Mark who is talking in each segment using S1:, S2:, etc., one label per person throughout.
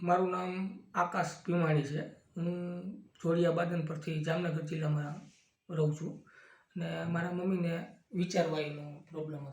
S1: મારું નામ આકાશ ભીમાણી છે. હું જોડિયા બાદન પરથી જામનગર જિલ્લામાં રહું છું. અને મારા મમ્મીને વિચારવાયુનો પ્રોબ્લેમ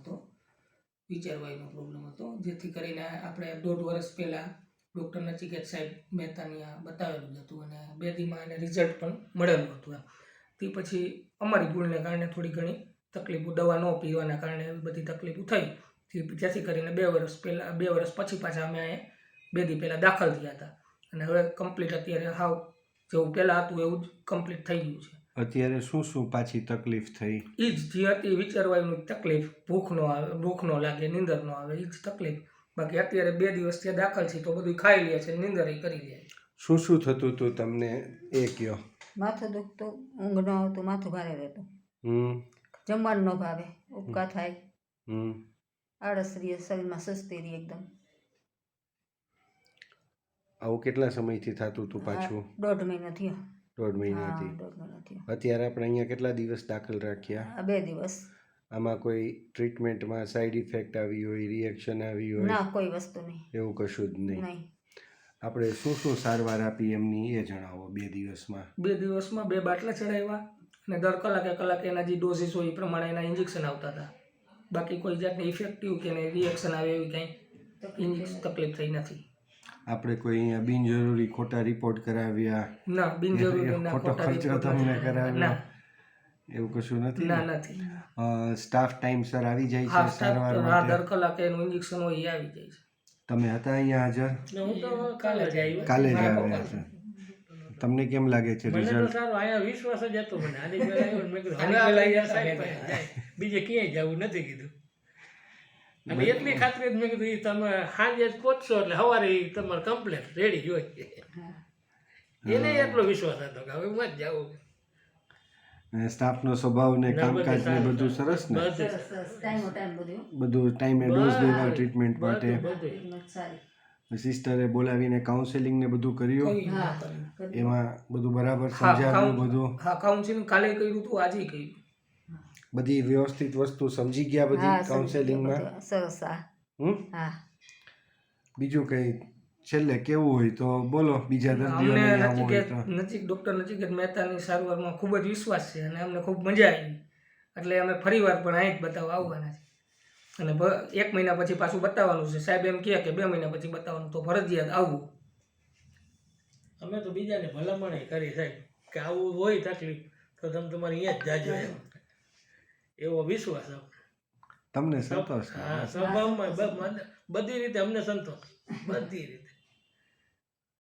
S1: હતો, જેથી કરીને આપણે 1.5 વર્ષ પહેલાં ડૉક્ટર નચિકેત સાહેબ મહેતાની બતાવેલું જ હતું અને 2 દીમાં એને રિઝલ્ટ પણ મળેલું હતું. તે પછી અમારી ભૂલને કારણે થોડી ઘણી તકલીફો, દવા ન પીવાના કારણે એવી બધી તકલીફો થઈ, જેથી કરીને 2 વર્ષ પછી પાછા અમે અહીંયા 2 દી પહેલાં દાખલ થયા હતા. અને હવે કમ્પ્લીટ અત્યારે હાવ જેવું પહેલાં હતું એવું જ કમ્પ્લીટ થઈ ગયું છે.
S2: અત્યારે શું પાછી તકલીફ થઈ?
S1: એ જ જે હતી વિચારવાની તકલીફ, ભૂખ ન લાગે, નીંદર ન આવે, એ જ તકલીફ. બાકી અત્યારે 2 દિવસ ત્યાં દાખલ છે તો બધું ખાઈ લે છે, નીંદર કરી લે છે.
S2: શું થતું હતું તમને એ કયો?
S3: માથું દુખતું, ઊંઘ ન આવતું, માથું ભારે રહેતું, જમવાનું ન ભાવે, ઉપકા થાય, આળસ રહે, શરીરમાં સુસ્તી રહે એકદમ.
S2: આવું કેટલા સમયથી થતું હતું પાછું?
S3: 1.5 મહિનો થયો.
S2: 1.5 મહિનાથી. અત્યારે આપણે અહીંયા કેટલા દિવસ દાખલ રાખ્યા?
S3: 2 દિવસ.
S2: આમાં કોઈ ટ્રીટમેન્ટમાં સાઈડ ઇફેક્ટ આવી હોય, રિએક્શન આવી હોય?
S3: ના, કોઈ વસ્તુ નહીં.
S2: એવું કશું જ નહીં.
S3: નહીં.
S2: આપણે શું સારવાર આપી એમની એ જણાવો. 2 દિવસમાં
S1: 2 બાટલા ચડાવ્યા અને દર કલાકે એના જે ડોઝીસ હોય એ પ્રમાણે એના ઇન્જેક્શન આવતા હતા. બાકી કોઈ જાતની ઇફેક્ટિવ કે રિએક્શન આવે એવી કંઈ તકલીફ થઈ નથી.
S2: આપણે કોઈ અહીંયા બિનજરૂરી ખોટા રિપોર્ટ કરાવ્યા?
S1: ના, બિનજરૂરી
S2: ખોટો ખર્ચો તમને કરાવ્યો એવું કશું નથી?
S1: ના, નથી.
S2: સ્ટાફ ટાઈમસર આવી જાય છે સારવાર માટે?
S1: દર કલાકે એનું ઇન્જેક્શન હોય એ આવી જાય છે.
S2: તમે હતા અહીંયા હાજર?
S1: હું તો કાલે જ
S2: આવ્યા છે. તમને કેમ લાગે છે રિઝલ્ટ?
S4: અહીંયા વિશ્વાસ જ હતો મને. બીજે ક્યાંય જવું નથી કીધું. અને એટલી ખાતરી મેં કીધું તમે સાંજે જ પહોંચશો એટલે સવારે તમારે કમ્પ્લેટ રેડી જ હોય. એને એટલો વિશ્વાસ હતો કે હવે હું જ જાઉં.
S2: સ્ટાફનો સ્વભાવ ને કામકાજ ને બધું સરસ ને? બધું ટાઈમે ડોઝ દેવા ટ્રીટમેન્ટ માટે. સિસ્ટરે બોલાવીને કાઉન્સેલિંગ ને બધું કર્યું? એમાં બધું બરાબર સમજાવ્યું? બધું
S1: કાઉન્સેલિંગ કાલે કર્યું હતું, આજે કર્યું.
S2: બધી વ્યવસ્થિત વસ્તુ સમજી ગયા બધી કાઉન્સેલિંગમાં?
S3: સરસ.
S2: બીજું કંઈ છેલ્લે કેવું હોય તો બોલો. બીજા દર્દીઓને
S1: ડૉક્ટર નચિકેત મહેતાની સારવારમાં ખૂબ જ વિશ્વાસ છે અને અમને ખૂબ મજા આવી. એટલે અમે ફરીવાર પણ અહીં જ બતાવવા આવવાના છે. અને 1 મહિના પછી પાછું બતાવવાનું છે. સાહેબ એમ કહે કે 2 મહિના પછી બતાવવાનું, તો ફરજિયાત આવવું.
S4: અમે તો બીજાને ભલામણ કરી સાહેબ કે આવું હોય તકલીફ તો તમે તમારે અહીંયા જ જાજો એવો વિશ્વાસ
S2: તમને સંતોષ?
S4: હા, સ્વભાવમાં બધી રીતે અમને સંતોષ, બધી રીતે.